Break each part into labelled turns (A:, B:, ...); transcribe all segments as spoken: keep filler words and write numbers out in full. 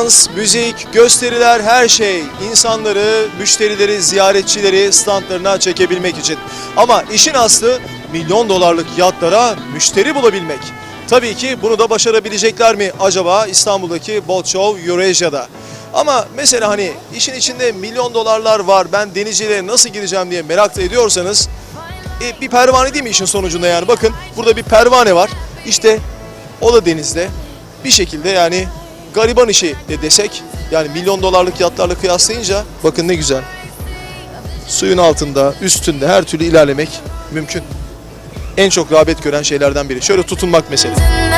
A: dans, müzik, gösteriler, her şey insanları, müşterileri, ziyaretçileri standlarına çekebilmek için. Ama işin aslı milyon dolarlık yatlara müşteri bulabilmek. Tabii ki bunu da başarabilecekler mi acaba İstanbul'daki Boat Show Eurasia'da? Ama mesela hani işin içinde milyon dolarlar var, ben denizciliğe nasıl gireceğim diye merak ediyorsanız e, bir pervane değil mi işin sonucunda yani? Bakın burada bir pervane var. İşte o da denizde. Bir şekilde yani gariban işi de desek, yani milyon dolarlık yatlarla kıyaslayınca bakın ne güzel. Suyun altında, üstünde her türlü ilerlemek mümkün. En çok rağbet gören şeylerden biri. Şöyle tutunmak mesela.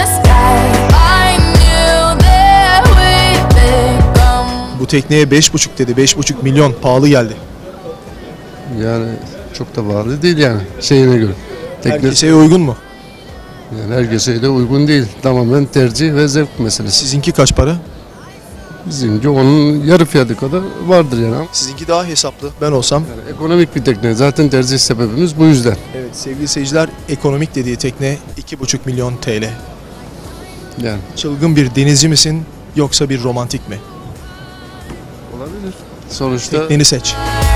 A: Bu tekneye beş buçuk dedi. beş buçuk milyon pahalı geldi.
B: Yani çok da pahalı değil yani şeyine göre. Tekne,
A: Herkese uygun mu?
B: yani herkese de uygun değil. Tamamen tercih ve zevk meselesi.
A: Sizinki kaç para?
B: Bizimki onun yarı fiyatı kadar vardır yani.
A: Sizinki daha hesaplı. Ben olsam.
B: Yani ekonomik bir tekne. Zaten tercih sebebimiz bu yüzden.
A: Evet sevgili seyirciler, ekonomik dediği tekne iki buçuk milyon T L.
B: Yani
A: Çılgın bir denizci misin yoksa bir romantik mi?
B: olabilir. Sonuçta
A: Tekneni seç.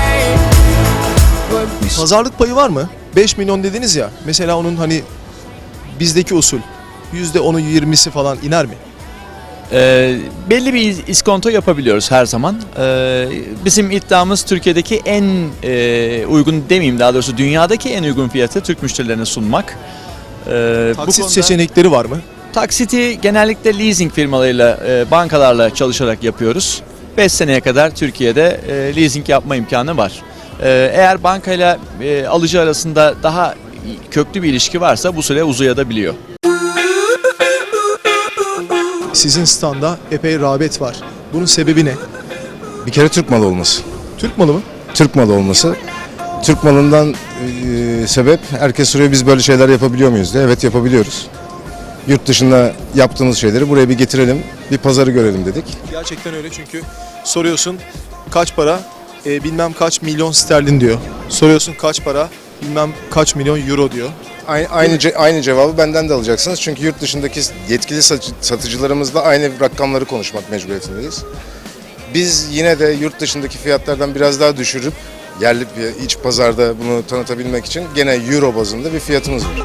A: Pazarlık payı var mı? beş milyon dediniz ya. Mesela onun hani bizdeki usul yüzde onu yirmisi falan iner mi?
C: Ee, belli bir iskonto yapabiliyoruz her zaman. Ee, bizim iddiamız Türkiye'deki en e, uygun demeyeyim, daha doğrusu dünyadaki en uygun fiyatı Türk müşterilerine sunmak. Ee,
A: Taksit
C: konuda
A: seçenekleri var mı?
C: taksiti genellikle leasing firmalarıyla, e, bankalarla çalışarak yapıyoruz. beş seneye kadar Türkiye'de e, leasing yapma imkanı var. Ee, eğer bankayla e, alıcı arasında daha köklü bir ilişki varsa bu süre uzayabiliyor.
A: Sizin standa epey rağbet var. Bunun sebebi ne?
D: Bir kere Türk malı olması.
A: Türk malı mı?
D: Türk malı olması. Türk malından e, sebep herkes soruyor biz böyle şeyler yapabiliyor muyuz diye. Evet yapabiliyoruz. Yurt dışında yaptığımız şeyleri buraya bir getirelim, bir pazarı görelim dedik.
A: Gerçekten öyle, çünkü soruyorsun kaç para, e, bilmem kaç milyon sterlin diyor. Soruyorsun kaç para, bilmem kaç milyon euro diyor.
D: Aynı aynı, ce- aynı cevabı benden de alacaksınız. Çünkü yurt dışındaki yetkili satıcı- satıcılarımızla aynı rakamları konuşmak mecburiyetindeyiz. Biz yine de yurt dışındaki fiyatlardan biraz daha düşürüp yerli bir iç pazarda bunu tanıtabilmek için gene euro bazında bir fiyatımız var.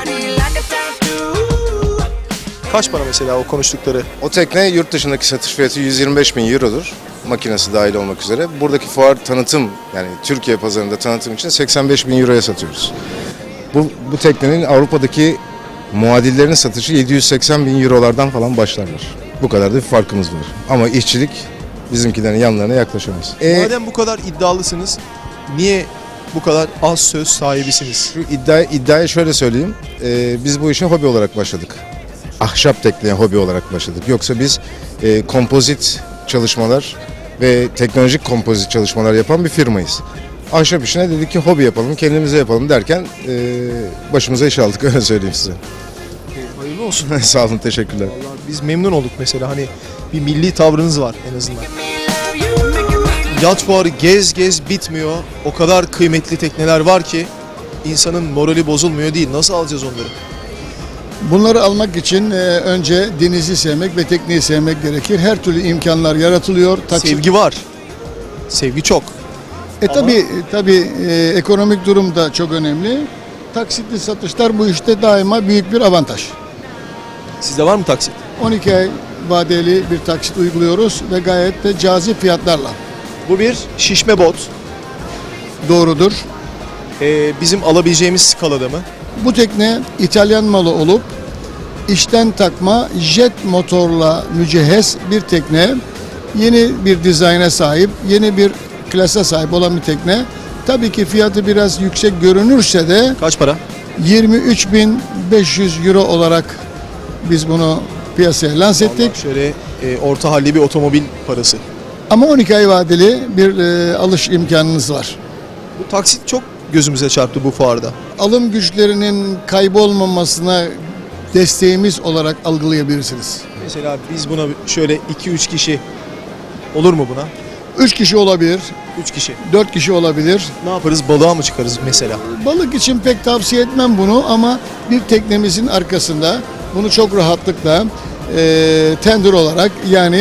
A: Kaç para mesela o konuştukları?
D: O tekne yurt dışındaki satış fiyatı yüz yirmi beş bin eurodur. Makinesi dahil olmak üzere. Buradaki fuar tanıtım, yani Türkiye pazarında tanıtım için seksen beş bin euroya satıyoruz. Bu, bu teknenin Avrupa'daki muadillerinin satışı yedi yüz seksen bin eurolardan falan başlarlar. Bu kadar da bir farkımız var. Ama işçilik bizimkilerin yanlarına yaklaşamaz. E,
A: Madem bu kadar iddialısınız, niye bu kadar az söz sahibisiniz?
D: Şu iddia, iddiayı şöyle söyleyeyim. E, biz bu işe hobi olarak başladık. Ahşap tekneye hobi olarak başladık. Yoksa biz e, kompozit çalışmalar ve teknolojik kompozit çalışmalar yapan bir firmayız. Ahşap işine dedik ki hobi yapalım, kendimize yapalım derken e, başımıza iş aldık, öyle söyleyeyim size.
A: Hayırlı olsun.
D: Sağ olun, teşekkürler.
A: Vallahi biz memnun olduk mesela, hani bir milli tavrınız var en azından. Yat fuarı gez gez bitmiyor. O kadar kıymetli tekneler var ki insanın morali bozulmuyor değil. Nasıl alacağız onları?
E: Bunları almak için e, önce denizi sevmek ve tekneyi sevmek gerekir. Her türlü imkanlar yaratılıyor. Taksit-
A: Sevgi var. Sevgi çok.
E: E tabi tabi e, ekonomik durum da çok önemli. Taksitli satışlar bu işte daima büyük bir avantaj.
A: Sizde var mı taksit?
E: on iki ay vadeli bir taksit uyguluyoruz ve gayet de cazip fiyatlarla.
A: Bu bir şişme bot.
E: Doğrudur.
A: Ee, bizim alabileceğimiz skalada mı?
E: Bu tekne İtalyan malı olup içten takma jet motorla mücehhez bir tekne. Yeni bir dizayna sahip, yeni bir klasa sahip olan bir tekne. Tabii ki fiyatı biraz yüksek görünürse de
A: Kaç para?
E: yirmi üç bin beş yüz euro olarak biz bunu piyasaya lanse ettik.
A: Vallahi şöyle e, orta halli bir otomobil parası.
E: Ama on iki ay vadeli bir e, alış imkanınız var.
A: Bu taksit çok gözümüze çarptı bu fuarda.
E: Alım güçlerinin kaybolmamasına desteğimiz olarak algılayabilirsiniz.
A: Mesela biz buna şöyle iki üç kişi olur mu buna?
E: üç kişi olabilir,
A: üç kişi.
E: dört kişi olabilir.
A: Ne yaparız? Balığa mı çıkarız mesela?
E: Balık için pek tavsiye etmem bunu ama bir teknemizin arkasında bunu çok rahatlıkla e, tender olarak, yani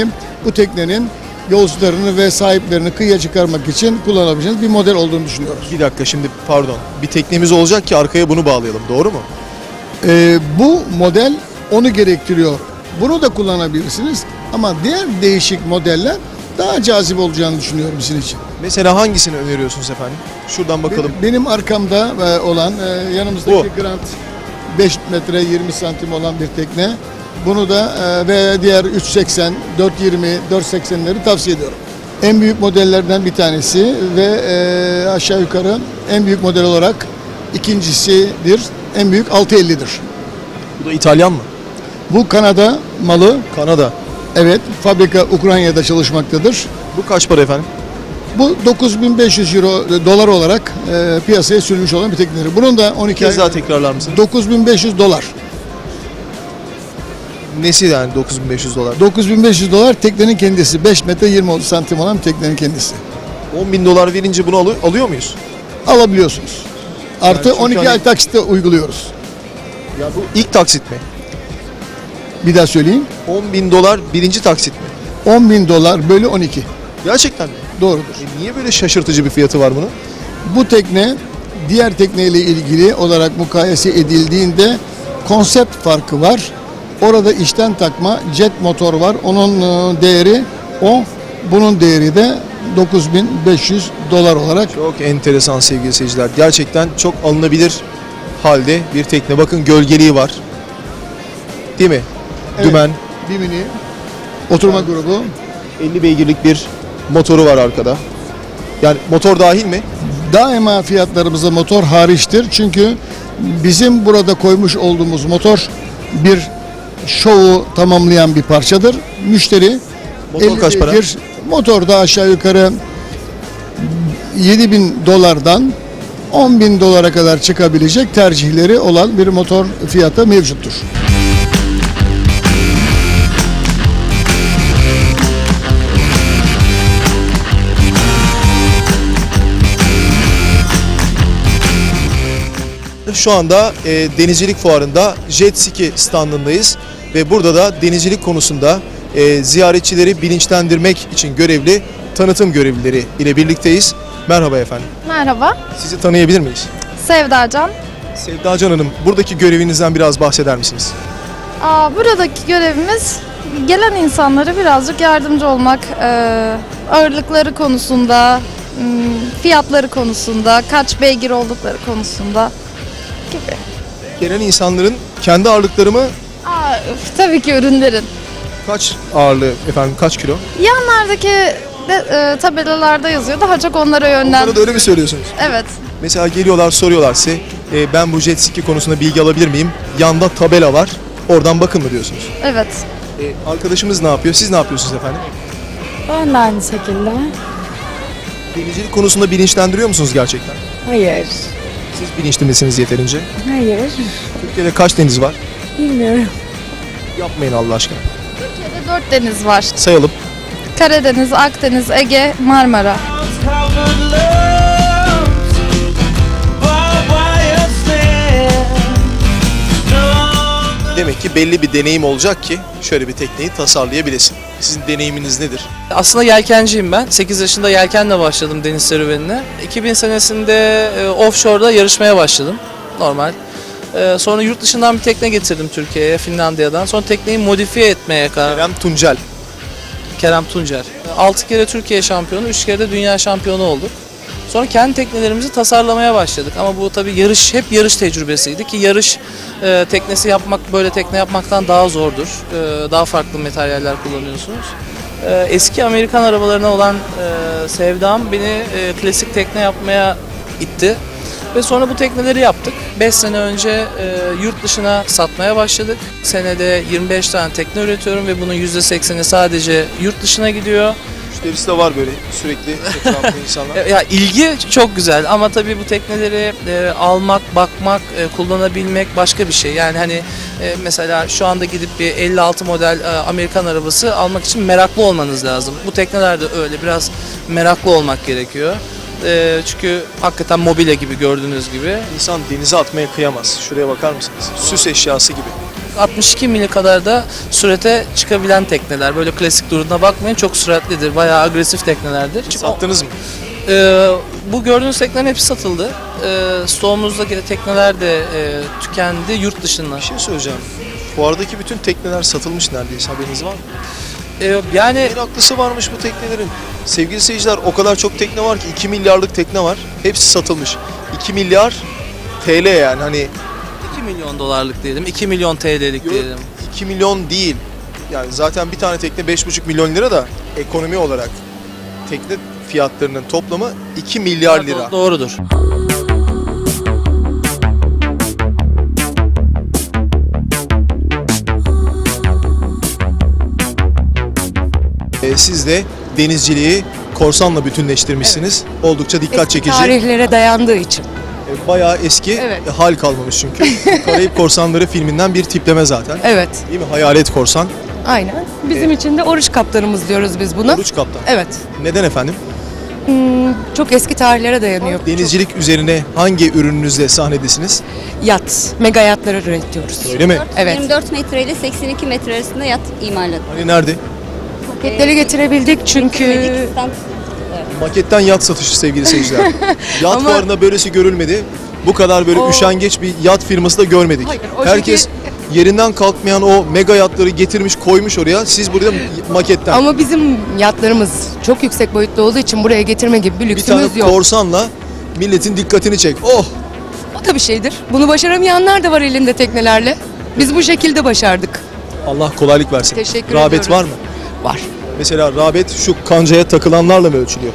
E: bu teknenin yolcularını ve sahiplerini kıyıya çıkarmak için kullanabileceğiniz bir model olduğunu düşünüyoruz.
A: Bir dakika şimdi pardon. Bir teknemiz olacak ki arkaya bunu bağlayalım. Doğru mu?
E: Ee, bu model onu gerektiriyor. Bunu da kullanabilirsiniz ama diğer değişik modeller daha cazip olacağını düşünüyorum sizin için.
A: Mesela hangisini öneriyorsunuz efendim? Şuradan bakalım.
E: Benim, benim arkamda e, olan e, yanımızdaki Grant beş metre yirmi santim olan bir tekne. Bunu da e, ve diğer üç seksen, dört yirmi, dört seksenleri tavsiye ediyorum. En büyük modellerden bir tanesi ve e, aşağı yukarı en büyük model olarak ikincisidir. En büyük altı ellidir.
A: Bu da İtalyan mı?
E: Bu Kanada malı.
A: Kanada.
E: Evet, fabrika Ukrayna'da çalışmaktadır.
A: Bu kaç para efendim?
E: Bu dokuz bin beş yüz euro dolar olarak e, piyasaya sürülmüş olan bir teknedir. Bunun da on
A: Bir
E: iki
A: kez
E: ay
A: daha tekrarlar mısınız?
E: dokuz bin beş yüz dolar.
A: Nesi yani dokuz bin beş yüz dolar?
E: dokuz bin beş yüz dolar teknenin kendisi. beş metre yirmi santim olan teknenin kendisi.
A: on bin dolar verince bunu alı- alıyor muyuz?
E: Alabiliyorsunuz. Artı
A: Yani çünkü
E: on iki
A: hani-
E: ay taksitte uyguluyoruz.
A: Ya bu ilk taksit mi?
E: Bir daha söyleyeyim.
A: on bin dolar birinci taksit mi?
E: on bin dolar bölü on iki.
A: Gerçekten mi?
E: Doğrudur.
A: E niye böyle şaşırtıcı bir fiyatı var bunun?
E: Bu tekne diğer tekneyle ilgili olarak mukayese edildiğinde konsept farkı var. Orada içten takma jet motor var. Onun e, değeri o. Bunun değeri de dokuz bin beş yüz dolar olarak.
A: Çok enteresan sevgili seyirciler. Gerçekten çok alınabilir halde bir tekne. Bakın gölgeliği var. Değil mi?
E: Evet.
A: Dümen.
E: Bimini oturma grubu.
A: elli beygirlik bir motoru var arkada. Yani motor dahil mi?
E: Daima fiyatlarımızda motor hariçtir. Çünkü bizim burada koymuş olduğumuz motor bir şovu tamamlayan bir parçadır. Müşteri
A: Motor
E: elli
A: kaç para?
E: beygir, motor da aşağı yukarı yedi bin dolardan on bin dolara kadar çıkabilecek tercihleri olan bir motor fiyatı mevcuttur.
A: Şu anda e, denizcilik fuarında Jet Ski standındayız ve burada da denizcilik konusunda e, ziyaretçileri bilinçlendirmek için görevli tanıtım görevlileri ile birlikteyiz. Merhaba efendim.
F: Merhaba,
A: Sizi tanıyabilir miyiz?
F: Sevda Can.
A: Sevda Can Hanım, buradaki görevinizden biraz bahseder misiniz?
F: Aa, buradaki görevimiz gelen insanlara birazcık yardımcı olmak, ee, ağırlıkları konusunda, hmm, fiyatları konusunda, kaç beygir oldukları konusunda gibi.
A: Gelen insanların kendi ağırlıkları mı?
F: Aa, üf, tabii ki ürünlerin.
A: Kaç ağırlığı efendim, kaç kilo?
F: Yanlardaki de, ee, tabelalarda yazıyor, daha çok onlara yönlen.
A: Onlara da öyle mi söylüyorsunuz?
F: Evet,
A: Mesela geliyorlar soruyorlar size, e, ben bu jet ski konusunda bilgi alabilir miyim? Yanda tabela var, oradan bakın mı diyorsunuz?
F: evet.
A: E, arkadaşımız ne yapıyor? Siz ne yapıyorsunuz efendim?
G: Ben de aynı şekilde.
A: Denizcilik konusunda bilinçlendiriyor musunuz gerçekten?
G: Hayır.
A: Siz bilinçli misiniz yeterince?
G: Hayır.
A: Türkiye'de kaç deniz var?
G: Bilmiyorum.
A: Yapmayın Allah aşkına.
F: Türkiye'de dört deniz var.
A: Sayalım.
F: Karadeniz, Akdeniz, Ege, Marmara.
A: Demek ki belli bir deneyim olacak ki şöyle bir tekneyi tasarlayabilesin. Sizin deneyiminiz nedir?
H: Aslında yelkenciyim ben. sekiz yaşında yelkenle başladım deniz serüvenine. iki bin senesinde e, offshore'da yarışmaya başladım. Normal. E, sonra yurt dışından bir tekne getirdim Türkiye'ye, Finlandiya'dan. Sonra tekneyi modifiye etmeye karar
A: Kerem Tuncel.
H: Kerem Tuncer. altı kere Türkiye şampiyonu, üç kere de dünya şampiyonu olduk. Sonra kendi teknelerimizi tasarlamaya başladık. Ama bu tabii yarış, hep yarış tecrübesiydi ki yarış e, teknesi yapmak, böyle tekne yapmaktan daha zordur. E, daha farklı materyaller kullanıyorsunuz. E, eski Amerikan arabalarına olan e, sevdam beni e, klasik tekne yapmaya itti. Ve sonra bu tekneleri yaptık. beş sene önce e, yurt dışına satmaya başladık. Senede yirmi beş tane tekne üretiyorum ve bunun yüzde sekseni sadece yurt dışına gidiyor.
A: Müşterisi de var böyle sürekli etrafında insanlar.
H: Ya ilgi çok güzel ama tabii bu tekneleri e, almak, bakmak, e, kullanabilmek başka bir şey. Yani hani e, mesela şu anda gidip bir elli altı model e, Amerikan arabası almak için meraklı olmanız lazım. Bu tekneler de öyle, biraz meraklı olmak gerekiyor. E, çünkü hakikaten mobilya gibi, gördüğünüz gibi.
A: İnsan denize atmaya kıyamaz. Şuraya bakar mısınız? Süs eşyası gibi.
H: altmış iki mili kadar da sürate çıkabilen tekneler. Böyle klasik durumuna bakmayın, çok süratlidir. Bayağı agresif teknelerdir.
A: Sattınız mı?
H: Ee, bu gördüğünüz teknelerin hepsi satıldı. Ee, stoğumuzdaki tekneler de e, tükendi yurt dışından.
A: Bir şey söyleyeceğim. Fuardaki bütün tekneler satılmış neredeyse, haberiniz var mı?
H: Ee, yani
A: En haklısı varmış bu teknelerin. Sevgili seyirciler, o kadar çok tekne var ki, iki milyarlık tekne var. Hepsi satılmış. iki milyar T L yani, hani
H: iki milyon dolarlık diyelim, iki milyon T L'lik
A: Yok,
H: diyelim.
A: iki milyon değil. Yani zaten bir tane tekne beş buçuk milyon lira da ekonomi olarak tekne fiyatlarının toplamı iki milyar lira.
H: Do- Doğrudur.
A: Ee, siz de denizciliği korsanla bütünleştirmişsiniz. Oldukça dikkat
I: Eski
A: çekici.
I: tarihlere dayandığı için.
A: Ee, Bayağı eski,
I: Evet.
A: e, hal kalmamış çünkü. Karayip Korsanları filminden bir tipleme zaten.
I: Evet,
A: Değil mi? Hayalet korsan,
I: aynen. Bizim için de oruç kaptanımız diyoruz biz buna.
A: oruç kaptan.
I: Evet.
A: Neden efendim?
I: Hmm, çok eski tarihlere dayanıyor.
A: Denizcilik üzerine hangi ürününüzle sahnedesiniz?
I: Yat, mega yatları üretiyoruz.
A: Öyle mi?
I: Evet.
J: yirmi dört metre ile seksen iki metre arasında yat imalatı.
A: Hani nerede?
I: Paketleri getirebildik çünkü
J: Medik stand
A: Maketten yat satışı sevgili seyirciler. Yat
I: Ama-
A: fuarında böylesi görülmedi. Bu kadar böyle
I: O-
A: üşengeç bir yat firması da görmedik.
I: Hayır, o
A: Herkes yerinden kalkmayan o mega yatları getirmiş, koymuş oraya. Siz burada maketten.
I: ama bizim yatlarımız çok yüksek boyutlu olduğu için buraya getirme gibi bir
A: bir tane
I: lüksümüz yok.
A: korsanla milletin dikkatini çek. Oh!
I: O da bir şeydir. Bunu başaramayanlar da var elinde teknelerle. Biz bu şekilde başardık.
A: Allah kolaylık versin.
I: Teşekkür
A: Rağbet
I: ediyoruz.
A: var mı?
I: Var.
A: Mesela rağbet şu kancaya takılanlarla mı ölçülüyor?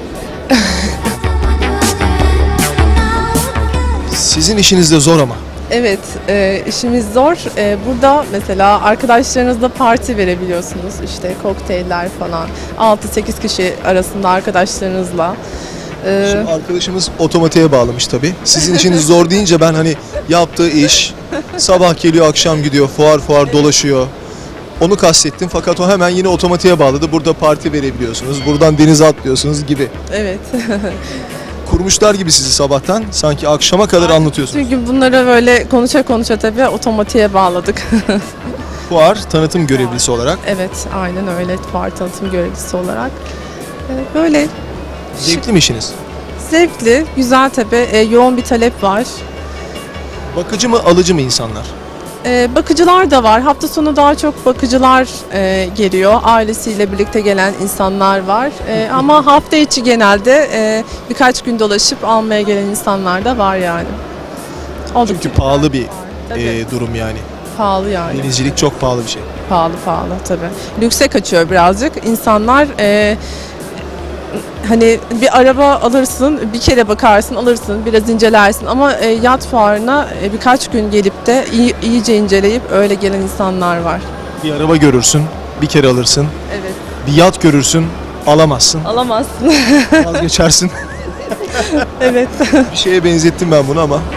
A: Sizin işiniz de zor ama.
K: Evet, e, işimiz zor. E, burada mesela arkadaşlarınızla parti verebiliyorsunuz. İşte kokteyller falan. altı sekiz kişi arasında arkadaşlarınızla. E,
A: Şimdi arkadaşımız otomatiğe bağlamış tabii. Sizin işiniz zor deyince ben hani yaptığı iş, sabah geliyor akşam gidiyor, fuar fuar dolaşıyor. Onu kastettim fakat o hemen yine otomatiğe bağladı. Burada parti verebiliyorsunuz, buradan denize atlıyorsunuz gibi.
K: evet.
A: Kurmuşlar gibi sizi sabahtan, sanki akşama kadar anlatıyorsunuz.
K: Çünkü bunları böyle konuşa konuşa tabii otomatiğe bağladık.
A: Fuar tanıtım görevlisi olarak.
K: Evet, aynen öyle. Fuar tanıtım görevlisi olarak. E, böyle
A: Zevkli mi işiniz?
K: zevkli, güzel tabii. E, yoğun bir talep var.
A: Bakıcı mı, alıcı mı insanlar?
K: Ee, bakıcılar da var. Hafta sonu daha çok bakıcılar e, geliyor. Ailesiyle birlikte gelen insanlar var. E, ama hafta içi genelde e, birkaç gün dolaşıp almaya gelen insanlar da var yani. Oldukça
A: Çünkü pahalı bir
K: Tabii.
A: e, durum yani.
K: pahalı yani.
A: Denizcilik çok pahalı bir şey.
K: Pahalı pahalı tabii. Lükse kaçıyor birazcık. İnsanlar e, hani bir araba alırsın, bir kere bakarsın, alırsın, biraz incelersin ama e, yat fuarına e, birkaç gün gelip de iyi, iyice inceleyip öyle gelen insanlar var.
A: Bir araba görürsün, bir kere alırsın.
K: Evet.
A: Bir yat görürsün, alamazsın.
K: Alamazsın.
A: Vazgeçersin.
K: Evet.
A: Bir şeye benzettim ben bunu ama.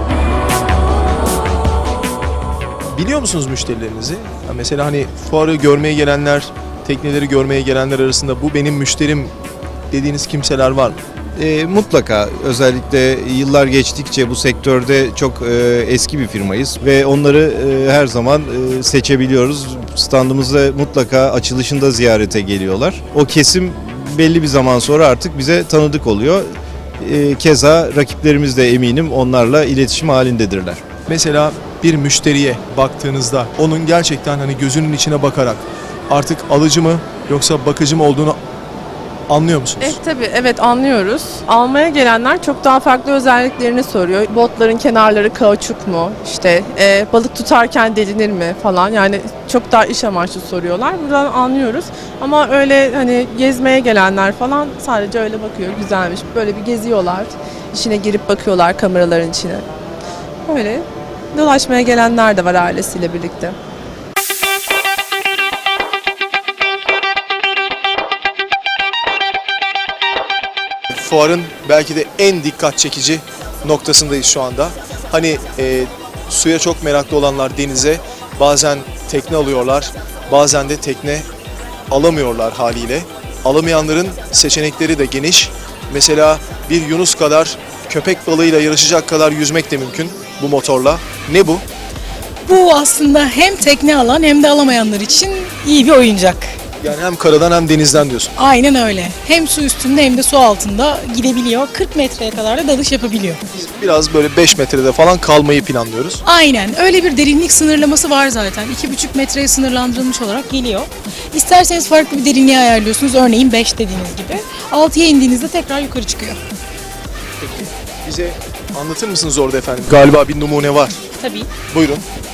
A: Biliyor musunuz müşterilerinizi? Ya mesela hani fuarı görmeye gelenler, tekneleri görmeye gelenler arasında bu benim müşterim dediğiniz kimseler var mı?
L: E, mutlaka özellikle yıllar geçtikçe bu sektörde çok e, eski bir firmayız ve onları e, her zaman e, seçebiliyoruz. Standımızda mutlaka açılışında ziyarete geliyorlar. O kesim belli bir zaman sonra artık bize tanıdık oluyor. E, keza rakiplerimiz de eminim onlarla iletişim halindedirler.
A: Mesela bir müşteriye baktığınızda onun gerçekten hani gözünün içine bakarak artık alıcı mı yoksa bakıcı mı olduğunu anlıyor musunuz?
K: Eh tabii evet anlıyoruz. Almaya gelenler çok daha farklı özelliklerini soruyor. Botların kenarları kauçuk mu? İşte e, balık tutarken delinir mi falan. Yani çok daha iş amaçlı soruyorlar. Buradan anlıyoruz. Ama öyle hani gezmeye gelenler falan sadece öyle bakıyor. Güzelmiş. Böyle bir geziyorlar. İçine girip bakıyorlar kameraların içine. Öyle dolaşmaya gelenler de var ailesiyle birlikte.
A: Fuarın belki de en dikkat çekici noktasındayız şu anda. Hani e, suya çok meraklı olanlar denize bazen tekne alıyorlar, bazen de tekne alamıyorlar haliyle. Alamayanların seçenekleri de geniş. Mesela bir yunus kadar köpek balığıyla yarışacak kadar yüzmek de mümkün bu motorla. Ne bu?
G: Bu aslında hem tekne alan hem de alamayanlar için iyi bir oyuncak.
A: Yani hem karadan hem denizden diyorsun.
G: Aynen öyle. Hem su üstünde hem de su altında gidebiliyor. kırk metreye kadar da dalış yapabiliyor.
A: Biz biraz böyle beş metrede falan kalmayı planlıyoruz.
G: Aynen. Öyle bir derinlik sınırlaması var zaten. iki buçuk metreye sınırlandırılmış olarak geliyor. İsterseniz farklı bir derinliğe ayarlıyorsunuz. Örneğin beş dediğiniz gibi. altıya indiğinizde tekrar yukarı çıkıyor.
A: Peki bize anlatır mısınız orada efendim? Galiba bir numune var.
G: Tabii.
A: Buyurun.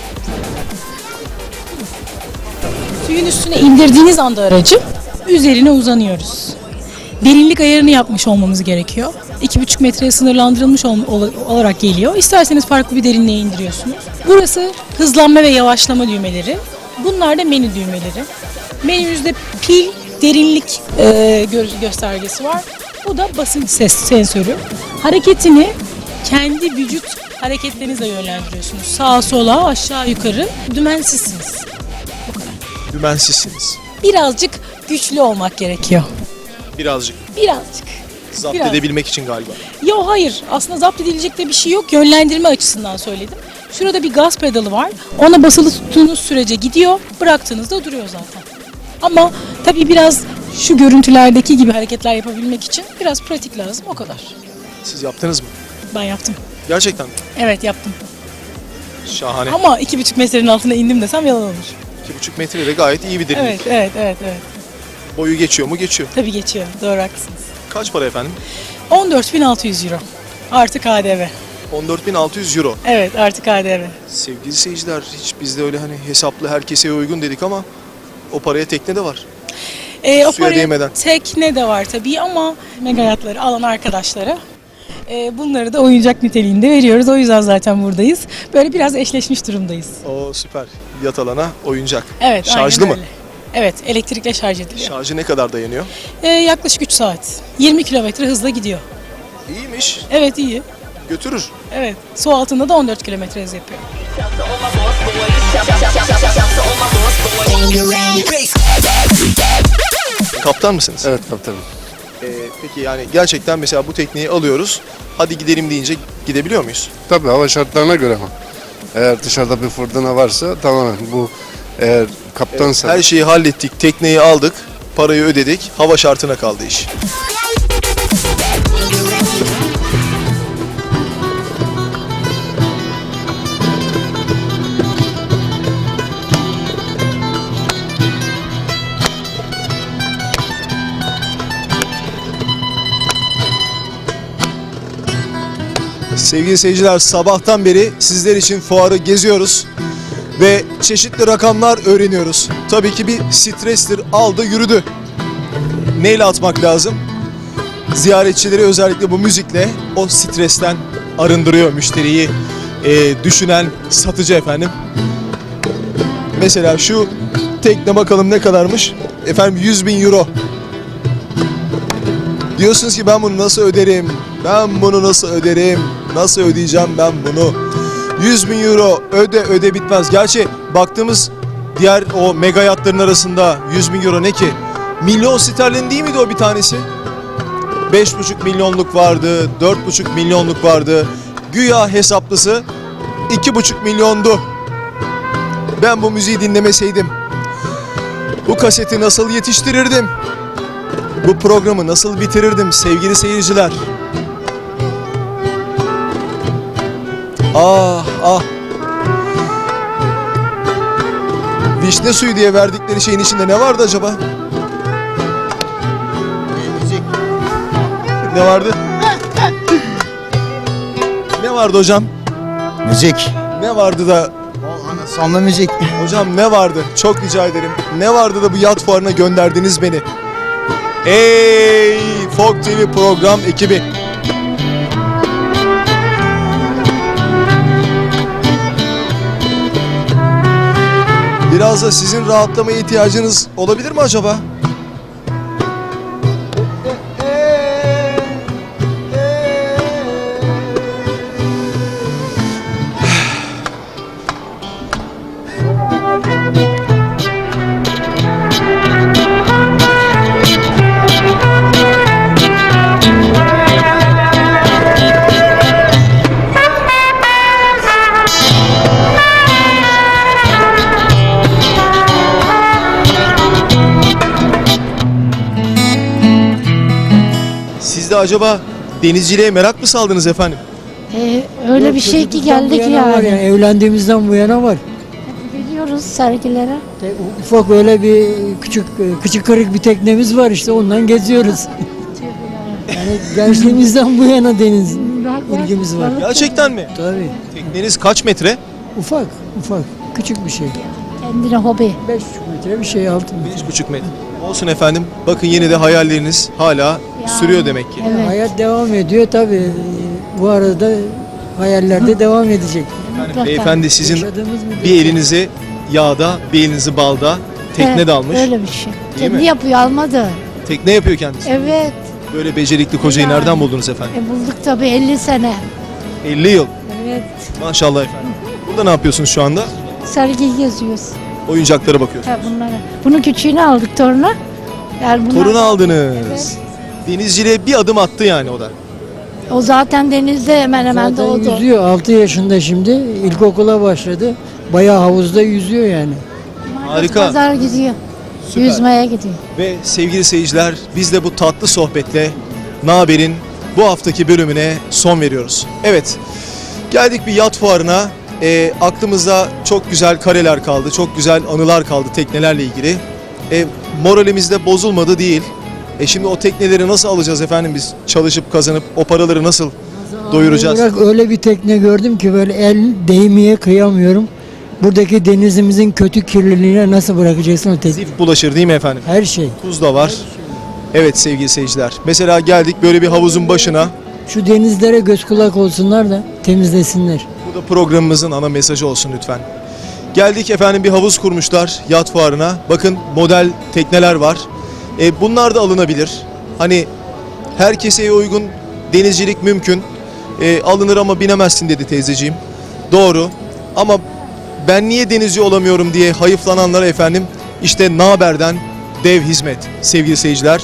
G: Suyun üstüne indirdiğiniz anda aracı üzerine uzanıyoruz. Derinlik ayarını yapmış olmamız gerekiyor. iki buçuk metreye sınırlandırılmış ol- ol- olarak geliyor. İsterseniz farklı bir derinliğe indiriyorsunuz. Burası hızlanma ve yavaşlama düğmeleri. Bunlar da menü düğmeleri. Menümüzde pil, derinlik e, gö- göstergesi var. Bu da basınç ses sensörü. Hareketini kendi vücut hareketlerinizle yönlendiriyorsunuz. Sağa sola, aşağı yukarı dümensizsiniz.
A: Dümensizsiniz.
G: Birazcık güçlü olmak gerekiyor.
A: Birazcık.
G: Birazcık.
A: Zapt
G: Biraz.
A: edebilmek için galiba.
G: Yo hayır. Aslında zapt edilecek de bir şey yok. Yönlendirme açısından söyledim. Şurada bir gaz pedalı var. Ona basılı tuttuğunuz sürece gidiyor. Bıraktığınızda duruyor zaten. Ama tabii biraz şu görüntülerdeki gibi hareketler yapabilmek için biraz pratik lazım. O kadar.
A: Siz yaptınız mı?
G: Ben yaptım.
A: Gerçekten mi?
G: Evet yaptım.
A: Şahane.
G: Ama iki buçuk metrenin altına indim desem yalan olur.
A: iki buçuk metre de gayet iyi bir derinlik.
G: Evet, evet, evet, evet.
A: Boyu geçiyor mu? Geçiyor.
G: Tabii geçiyor. Doğru haklısınız.
A: Kaç para efendim?
G: on dört bin altı yüz euro. Artı K D V.
A: on dört bin altı yüz euro.
G: Evet, artı K D V.
A: Sevgili seyirciler, hiç bizde öyle hani hesaplı herkese uygun dedik ama o paraya tekne de var.
G: Ee, o
A: Suya
G: paraya
A: değmeden.
G: tekne de var tabii ama mega yatları alan arkadaşlara e, bunları da oyuncak niteliğinde veriyoruz. O yüzden zaten buradayız. Böyle biraz eşleşmiş durumdayız.
A: O süper. Yat alana oyuncak.
G: Evet,
A: Şarjlı
G: aynen
A: mı?
G: öyle. Evet, elektrikle şarj ediliyor.
A: Şarjı ne kadar dayanıyor?
G: Ee, yaklaşık üç saat. yirmi kilometre hızla gidiyor.
A: İyiymiş.
G: Evet, iyi.
A: Götürür.
G: Evet, su altında da on dört kilometre hız yapıyor.
A: Kaptan mısınız?
B: Evet kaptanım.
A: Ee, peki yani gerçekten mesela bu tekneyi alıyoruz. Hadi gidelim deyince gidebiliyor muyuz?
B: Tabii hava şartlarına göre ama. Eğer dışarıda bir fırtına varsa tamamen bu eğer kaptansa
A: Her şeyi hallettik. Tekneyi aldık. Parayı ödedik. Hava şartına kaldı iş. Sevgili seyirciler, sabahtan beri sizler için fuarı geziyoruz ve çeşitli rakamlar öğreniyoruz. Tabii ki bir strestir, aldı yürüdü. Neyle atmak lazım? Ziyaretçileri özellikle bu müzikle o stresten arındırıyor müşteriyi e, düşünen satıcı efendim. Mesela şu tekne bakalım ne kadarmış? Efendim yüz bin euro. Diyorsunuz ki ben bunu nasıl öderim? Ben bunu nasıl öderim? Nasıl ödeyeceğim ben bunu? yüz bin euro öde öde bitmez. Gerçi baktığımız diğer o mega yatların arasında yüz bin euro ne ki? Milyon sterlin değil miydi o bir tanesi? beş buçuk milyonluk vardı, dört buçuk milyonluk vardı. Güya hesaplısı iki buçuk milyondu. Ben bu müziği dinlemeseydim, bu kaseti nasıl yetiştirirdim? Bu programı nasıl bitirirdim sevgili seyirciler? Ah ah. Vişne suyu diye verdikleri şeyin içinde ne vardı acaba? Ne vardı? Ne vardı hocam?
M: Müzik.
A: Ne vardı da?
M: Sonlu müzik.
A: Hocam ne vardı? Çok rica ederim. Ne vardı da bu yat fuarına gönderdiniz beni? Ey Fok T V program ekibi. Biraz da sizin rahatlamaya ihtiyacınız olabilir mi acaba? de acaba denizciliğe merak mı saldınız efendim?
N: Ee, öyle bir şey ki geldik yani.
M: Evlendiğimizden bu yana var.
N: Biliyoruz sergilere.
M: Ufak öyle bir küçük küçük kırık bir teknemiz var işte ondan geziyoruz. Yani gençliğimizden bu yana deniz ilgimiz var.
A: Gerçekten mi?
M: Tabii.
A: Tekneniz kaç metre?
M: Ufak ufak küçük bir şey.
N: Kendine hobi.
M: beş buçuk metre bir şey altı metre.
A: beş buçuk metre. Olsun efendim. Bakın yine de hayalleriniz hala sürüyor demek ki.
N: Evet.
M: Hayat devam ediyor tabii. Bu arada hayaller de devam edecek.
A: Yani beyefendi sizin
M: Yaşadığımız müddetçe.
A: bir elinizi yağda, bir elinizi balda, tekne
N: Evet,
A: dalmış.
N: Öyle bir şey.
A: Değil
N: Kendi
A: mi?
N: yapıyor almadı.
A: Tekne yapıyor kendisi.
N: Evet.
A: Böyle becerikli kocayı
N: Yani.
A: nereden buldunuz efendim?
N: E, bulduk tabii elli sene.
A: elli yıl.
N: Evet.
A: Maşallah efendim. Burada ne yapıyorsunuz şu anda?
N: Sergiyi geziyoruz.
A: Oyuncaklara bakıyorsunuz.
N: Ha, bunlara. Bunun küçüğünü aldık toruna. Yani bunlar-
A: Torunu aldınız.
N: Evet.
A: Denizciliğe bir adım attı yani o da.
N: O zaten denizde hemen hemen
M: Zaten
N: doğdu.
M: yüzüyor. altı yaşında şimdi. İlkokula başladı. Bayağı havuzda yüzüyor yani.
A: Harika.
N: Pazar gidiyor.
A: Süper.
N: Yüzmeye gidiyor.
A: Ve sevgili seyirciler, biz de bu tatlı sohbetle Naber'in bu haftaki bölümüne son veriyoruz. Evet, geldik bir yat fuarına. E, aklımızda çok güzel kareler kaldı, çok güzel anılar kaldı teknelerle ilgili. E, moralimiz de bozulmadı değil. E şimdi o tekneleri nasıl alacağız efendim biz? Çalışıp kazanıp o paraları nasıl doyuracağız?
M: Bırak öyle bir tekne gördüm ki böyle el değmeye kıyamıyorum. Buradaki denizimizin kötü kirliliğine nasıl bırakacaksın o tekne?
A: Zif bulaşır değil mi efendim?
M: Her şey.
A: Tuz da var. Evet sevgili seyirciler. Mesela geldik böyle bir havuzun başına.
M: Şu denizlere göz kulak olsunlar da temizlesinler.
A: Bu da programımızın ana mesajı olsun lütfen. Geldik efendim bir havuz kurmuşlar yat fuarına. Bakın model tekneler var. E, bunlar da alınabilir. Hani herkese uygun denizcilik mümkün. E, alınır ama binemezsin dedi teyzeciğim. Doğru. Ama ben niye denizci olamıyorum diye hayıflananlara efendim işte Naber'den dev hizmet sevgili seyirciler.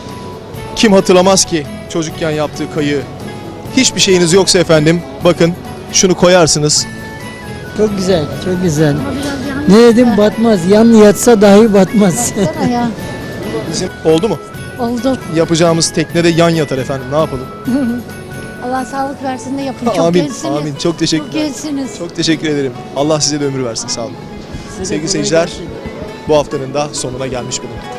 A: Kim hatırlamaz ki çocukken yaptığı kayığı? Hiçbir şeyiniz yoksa efendim bakın şunu koyarsınız.
M: Çok güzel, çok güzel. Ne dedim batmaz. Yan yatsa dahi batmaz.
N: Baksana ya.
A: Bizim oldu mu?
N: Oldu.
A: Yapacağımız teknede yan yatar efendim. Ne yapalım?
N: Allah sağlık versin de yapın. Çok
A: Amin.
N: gelsiniz.
A: Amin. Çok teşekkürler.
N: Çok gelsiniz.
A: Çok teşekkür ederim. Allah size de ömür versin. Sağ olun. Sevgili seyirciler, bu haftanın da sonuna gelmiş bulunduk.